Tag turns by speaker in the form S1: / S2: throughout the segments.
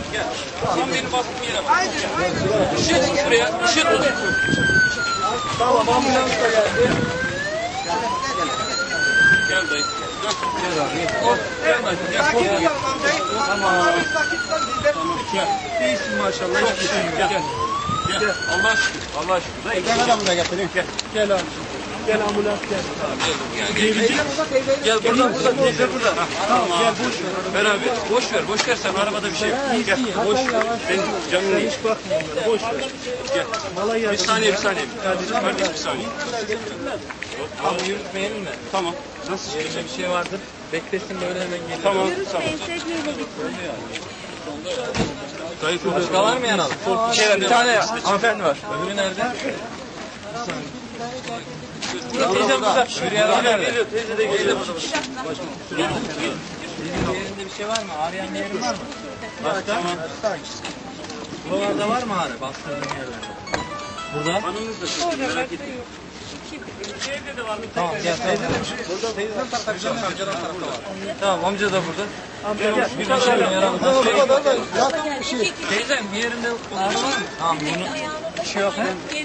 S1: Gel. Tam benim bastığım yere bak. Işığı tut şuraya. Işığı tut.
S2: Tamam, ambulans da geldi.
S1: Gel dayı. Gel abi. Gel dayı. Gel. Tamam. Gel.
S2: İyisin maşallah. Hiçbir şey yok.
S1: Gel. Gel. Allah'a şükür. Allah'a şükür. Dayı.
S2: Gel adamına getireyim. Gel abi. Gel ambulans gel.
S1: Gel burada. Teyze burada. Tamam. Gel boş ver. Ver abi. Boş ver sen. Arabada bir şey yok. Gel. Boş ver. Benim canım değil.
S2: Hiç bakmıyorum. Boş ver.
S1: Gel. Bir saniye. Kardeşim bir saniye.
S3: Ama yürütmeyelim mi?
S1: Tamam. Nasıl çıkacak?
S3: Bir şey vardır. Beklesin böyle hemen gelir.
S1: Tamam. Dayı
S3: Başka var mı yanalım?
S1: Bir tane hanımefendi var.
S3: Öbürü nerede? Teyze burada. Öbürü nerede?
S1: Teyze de geliyor.
S3: Yerinde bir şey var mı? Ağrıyan bir yerin var mı?
S1: Tamam.
S3: Buralarda var mı ağrı? Bastırdığın yerlerde. Burada?
S1: Hanımınız da çok merak etmeyin. Evde de var.
S3: Tamam gel. Teyzeden tarafta amcadan tarafta var. Tamam amca da burada. Bir şey yaramaz. Teyzem bir yerinde ağrı var mı? Tamam bunu. Bir şey yok mu?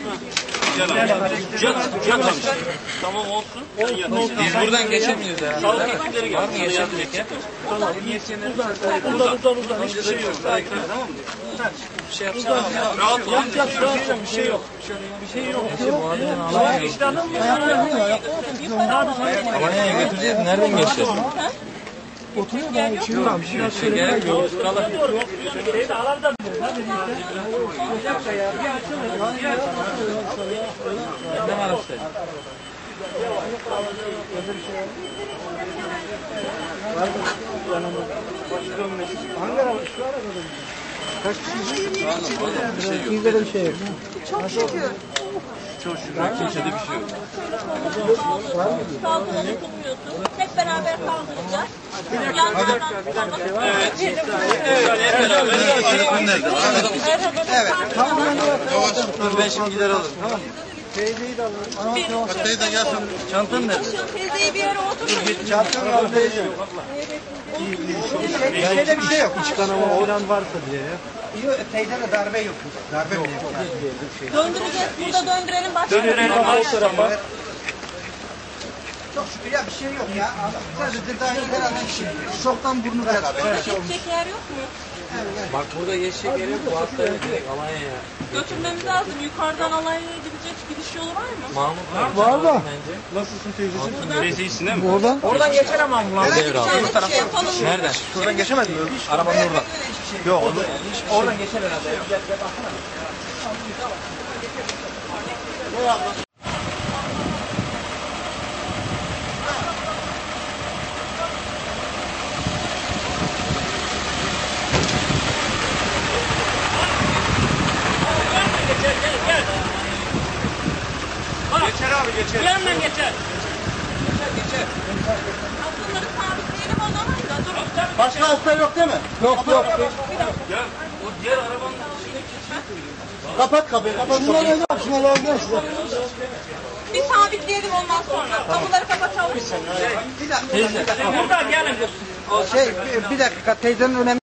S1: Can amca. Tamam olsun.
S3: Biz buradan geçemiyoruz herhalde.
S1: Sağlık ekipleri
S3: Var mı
S1: gelsin.
S3: geçebilecek ya?
S2: Uzan.
S1: Hiçbir şey yok. Tamam mı?
S3: Bir şey yapsana.
S1: Rahat ol.
S2: Bir şey yok.
S3: Bu adamın Alanya'ya Alanya'ya götüreceğiz. Nereden geçeceğiz?
S2: Oturuyor da şimdi tamam.
S3: Şey gerek yok. Ne var işte?
S2: Hangi araba? Şu arabada mı? Kaç kişi? Bizde de bir şey yok.
S4: Çok şükür.
S1: Çok şükür. Kimsede bir şey yok.
S4: Kaldırmanı tutmuyorsun. Hep beraber kaldıracağız. Yanlardan
S3: Dur ben şimdi gider alırım.
S2: Teyzeyi de alın.
S3: Teyze gelsin. Çantan nerede?
S4: Teyzeyi bir yere oturun.
S2: Çarptın al teyze. Şeyde bir şey yok. İç kanama olan varsa diye ya.
S5: Yok, teyzede darbe yok. Darbe yok.
S4: Döndüreceğiz. Burada döndürelim. Başka
S1: Döndürelim alt tarafa.
S5: Çok şükür ya bir şey yok ya. Sadece daha herhalde şoktan burnu beraber.
S4: geçecek yer yok mu?
S3: Bak burada geçecek yer yok. Bu hastaya direkt Alanya'ya.
S4: Götürmemiz lazım. Yukarıdan Alanya'ya gidecek gidiş yolu var mı?
S3: Mahmut
S2: Var da.
S3: bence.
S2: Nasılsın teyzeciğim?
S1: Teyze iyisin değil mi?
S2: Oradan.
S3: Oradan geçer ama ambulans. Devre
S4: Bir tane şey yapalım.
S3: Nereden?
S5: Şuradan geçemez mi? Arabanın oradan. Yok.
S3: Oradan geçer herhalde.
S1: Geçer abi geçer.
S4: Yanından geçer. Geçer. Bunları sabitleyelim o zaman da. Durun.
S5: Başka hasta yok değil mi?
S2: Yok.
S1: Ya o diğer arabanın
S5: Kapat kapıyı. Kapat.
S2: Şunları alacağız.
S4: Bir sabitleyelim ondan sonra. Kapıları kapatalım.
S5: Bir dakika.
S4: Burada gelin.
S5: Bir dakika teyzenin önemli.